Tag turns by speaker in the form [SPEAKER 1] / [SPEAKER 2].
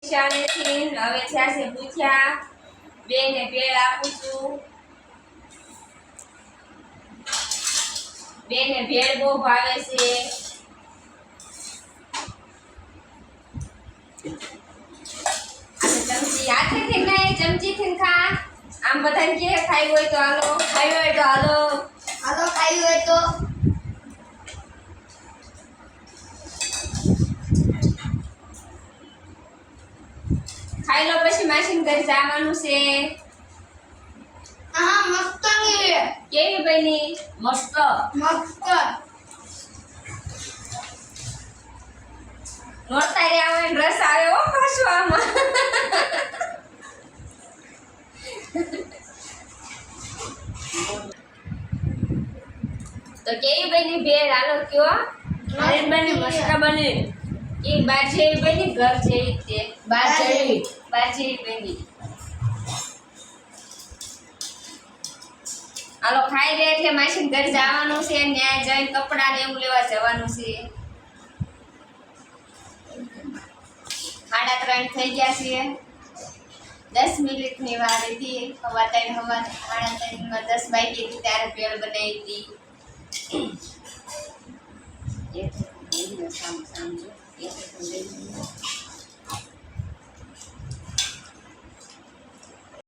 [SPEAKER 1] શાળેથી હવે થયા છે પૂછ્યા બેને ભેળ આપું છું બેને ભેળ બહુ ભાવે છે ચમચી હાથેથી નહીં ચમચીથી ખા આમ બધાને કે ખાઈ હોય તો હાલો ખાઈ હોય તો હાલો
[SPEAKER 2] હાલો ખાઈ હોય તો
[SPEAKER 1] ખાઈ લો પછી માસીન ઘરે જવાનું છે
[SPEAKER 2] હા મસ્ત
[SPEAKER 1] કેવી બની
[SPEAKER 2] મસ્ત
[SPEAKER 1] નોરતા રે આવે ને રસ આવે હો પાછો આમાં તો કેવી બની ભેળ હાલો કયો
[SPEAKER 2] મારી બની મસ્ત બની
[SPEAKER 1] એ બાર જેવી બની ઘર જેવી તે
[SPEAKER 2] બાર જેવી
[SPEAKER 1] બની હાલો ખાઈ લે એટલે માસીન ઘર જવાનું છે ન્યાય જઈને કપડા ને એવું લેવા જવાનું છે 3:30 થઈ ગયા છે 10 મિનિટની વાર હતી હવા 3:30 માં 10 વાગી ત્યારે ભેળ બનાવી હતી